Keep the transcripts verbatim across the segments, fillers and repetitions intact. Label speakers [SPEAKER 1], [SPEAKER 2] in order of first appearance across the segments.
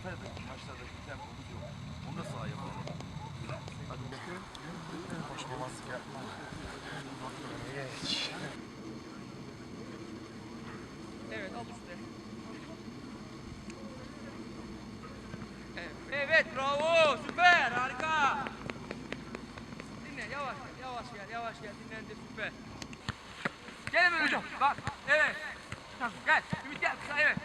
[SPEAKER 1] Antalya'daki maçlardaki tempomuz yok. Onu da sahaya yapalım. Hadi bakalım.
[SPEAKER 2] Koşmamazlık yapma. Geç.
[SPEAKER 3] Evet, al üstte. Evet, evet, bravo, süper, harika. Dinle, yavaş gel, yavaş gel, yavaş gel, dinlendir, süper. Gel hemen hocam, bak, evet. Gel, Ümit gel, kısa, evet.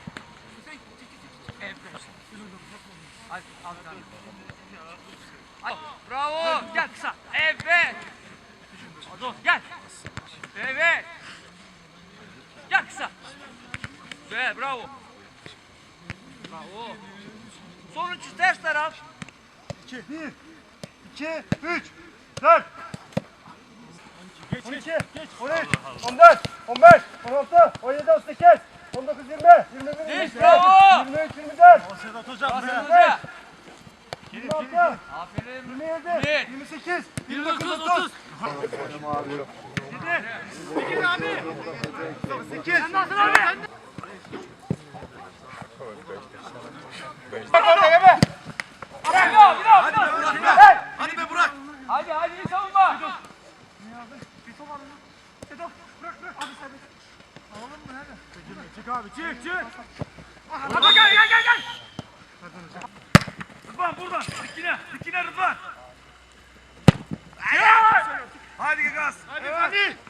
[SPEAKER 3] Evet. Hadi, al sen. Hadi, bravo, gel kısa, evet. Gel. Evet. Gel kısa. Güzel, bravo. Bravo. Sonuncu ters taraf.
[SPEAKER 2] İki. Bir. İki. Üç. Dört. On iki. On üç. On dört. On beş. On altı. On yedi. On sekiz. On dokuz. Yirmi. Yirmi bir.
[SPEAKER 3] Geç, bravo.
[SPEAKER 2] Yirmi üç. Yirmi dört.
[SPEAKER 3] Sedat
[SPEAKER 2] hocam.
[SPEAKER 3] Sedat Hoca.
[SPEAKER 2] Yirmi altı.
[SPEAKER 3] Aferin.
[SPEAKER 2] Yirmi yedi. Yirmi sekiz. Yirmi dokuz. Otuz. Yedi. Sekiz abi. Sekiz. Sen nasıl abi? Bak orada yeme.
[SPEAKER 3] Bırak, bırak, bırak.
[SPEAKER 1] Hadi be Burak. Hadi be Burak.
[SPEAKER 3] Hadi, hadi, iyi savunma.
[SPEAKER 2] Çık abi çık çık.
[SPEAKER 3] Hadi gel, gel, gel, gel. Rıdvan buradan. Dikine, dikine Rıdvan.
[SPEAKER 1] Hadi gaz.
[SPEAKER 2] Hadi hadi.